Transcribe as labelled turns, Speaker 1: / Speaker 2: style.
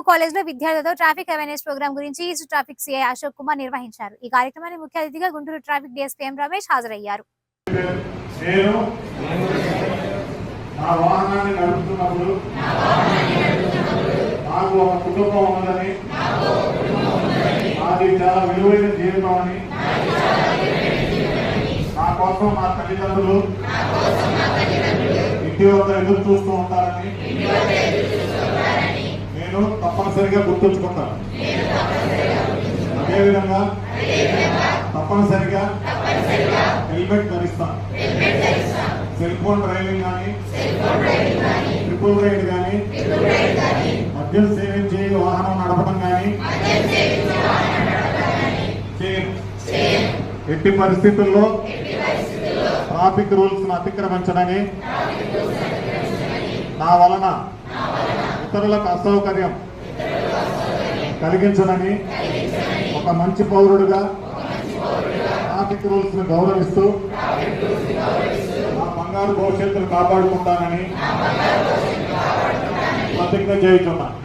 Speaker 1: College లో విద్యార్థులతో traffic awareness programme గురించి east traffic CI Ashok Kumar నిర్వహించారు. ఈ కార్యక్రమానికి ముఖ్య అతిథిగా Guntur traffic DSP M Ramesh హాజరయ్యారు.
Speaker 2: నా వాహనాన్ని నడుపుతున్నప్పుడు నాకు ఒక కుటుంబం ఉన్నదని, నాది చాలా విలువైన జీవితం అని, నా కోసం నా తల్లిదండ్రులు ఇంటి వద్ద ఎదురు చూస్తూ ఉంటారని నేను తప్పనిసరిగా గుర్తుంచుకుంటాను. అదేవిధంగా తప్పనిసరిగా హెల్మెట్ ధరిస్తాను. సెల్ ఫోన్ డ్రైవింగ్ కానీ, ట్రిపుల్ రైడ్ కానీ, మద్యం సేవించి వాహనం నడపడం కానీ ఎట్టి పరిస్థితుల్లో ట్రాఫిక్ రూల్స్ అతిక్రమించడని, నా వలన ఇతరులకు అసౌకర్యం కలిగించడని ఒక మంచి పౌరుడుగా ట్రాఫిక్ రూల్స్ ను గౌరవిస్తూ నా బంగారు భవిష్యత్తును కాపాడుకుంటానని ప్రతిజ్ఞ చేయుచున్నా.